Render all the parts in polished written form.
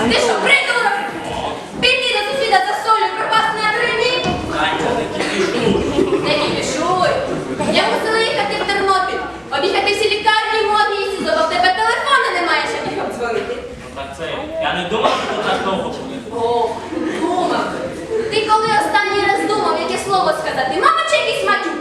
Ти що, придурок? Піти до сусіда за солью, пропасти на 3 дні? Танька, не кіпішуй. Не кіпішуй. Я мусила їхати в Тернопіль, об'їхати всі лікарні, модні і СІЗО, бо в тебе телефона немає, щоб їх обдзвонити. Ну так це, я не думав, що це так довго буде. О, думав. Ти коли останній раз думав, яке слово сказати? Мама чи якийсь матюк?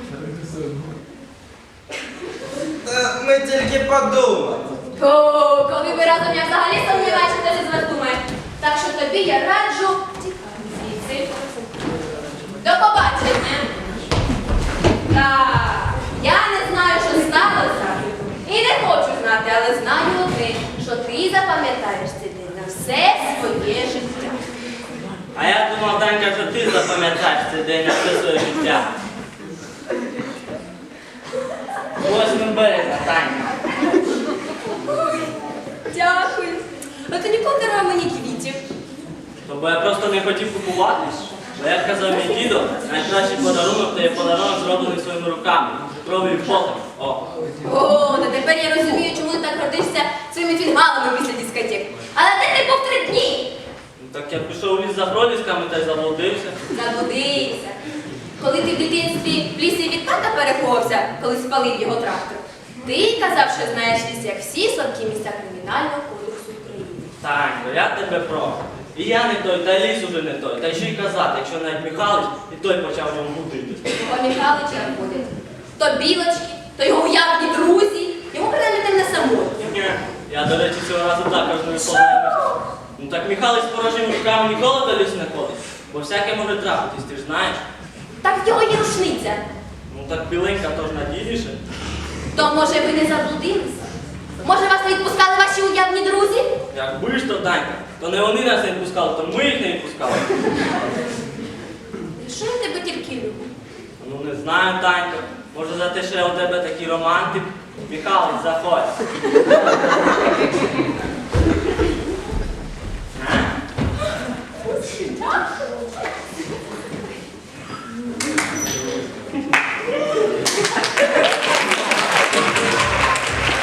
Ми тільки подумали. О, коли ви разом, я взагалі сумніваюся, що хтось із вас думає. Так що тобі я раджу тікати звідси. До побачення. Так, я не знаю, що сталося. І не хочу знати, але знаю одне, що ти запам'ятаєш цей день на все своє життя. А я думав, Танька, що ти запам'ятаєш цей день на все своє життя. 8 березня, Танька. Дякую. А ти ніколи не дарував мені квітів. То бо я просто не хотів купуватись. Бо як казав мій дідо, найкращий подарунок – це є подарунок, зроблений своїми руками. Кров'ю і потом. О. О, та тепер я розумію, чому ти так гордишся своїми фінгалами після дискотек. Але де ти був 3 дні? Ну, так я пішов у ліс за пролісками та й заблудився. Заблудився. Коли ти в дитинстві в лісі від тата переховався, коли спалив його трактор, ти казав, що знаєш ліс, як всі слабкі місця Кримінального кодексу України. Танько, я тебе прошу. І я не той, та й ліс уже не той. Та й що й казати, якщо навіть Михайлович, і той почав в ньому мутитись. Його Михайлича ходять. То білочки, то його уявні друзі. Йому принаймні там не самотньо. Ні, я, до речі, цього разу також не виповнювався. Ну так Михайлович з порожніми руками ніколи до лісу не ходить. Бо всяке може трапитись, ти ж знаєш. Так в його є рушниця. Ну так біленька то ж надійніше. То, може, ви не заблудилися? Може, вас не відпускали ваші уявні друзі? Якби ж то, Танька, то не вони нас не відпускали, то ми їх не відпускали. Що я тебе тільки люблю? Ну не знаю, Танько. Може за те, що я у тебе такий романтик. Михайлович, заходь.